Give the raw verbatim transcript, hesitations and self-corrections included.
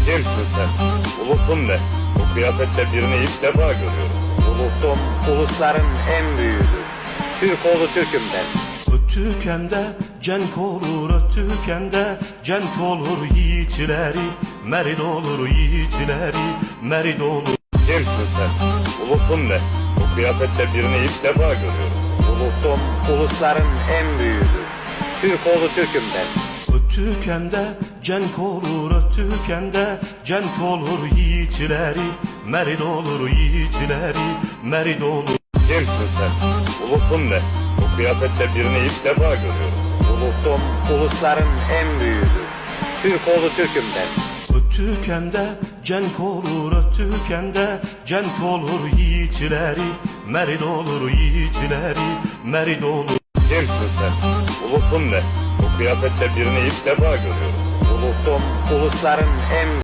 Kimsin sen? Ulusun ne? Bu kıyafette birini ilk defa görüyorum. Ulusum, ulusların en büyüğüdür. Türk oğlu Türk'üm ben. Ötükende cenk olur, ötükende cenk olur yiğitleri, merid olur yiğitleri, merid olur. Kimsin sen? Ulusun ne? Bu kıyafette birini ilk defa görüyorum. Ulusum, ulusların en büyüğüdür. Türk oğlu Türk'üm ben. Ötükende cenk olur, ötükende cenk olur yiğitleri, merid olur yiğitleri, merid olur. Kimsin sen? Ulusun ne? Bu kıyafette birini ilk defa görüyorum. Ulusum, ulusların en büyüğüdür. Türk oğlu Türk'üm ben. Ötükende cenk olur, ötükende cenk olur yiğitleri, merid olur yiğitleri, merid olur. Kimsin sen? Ulusun ne? Bu kıyafette birini ilk defa görüyorum. Ulusum, ulusların en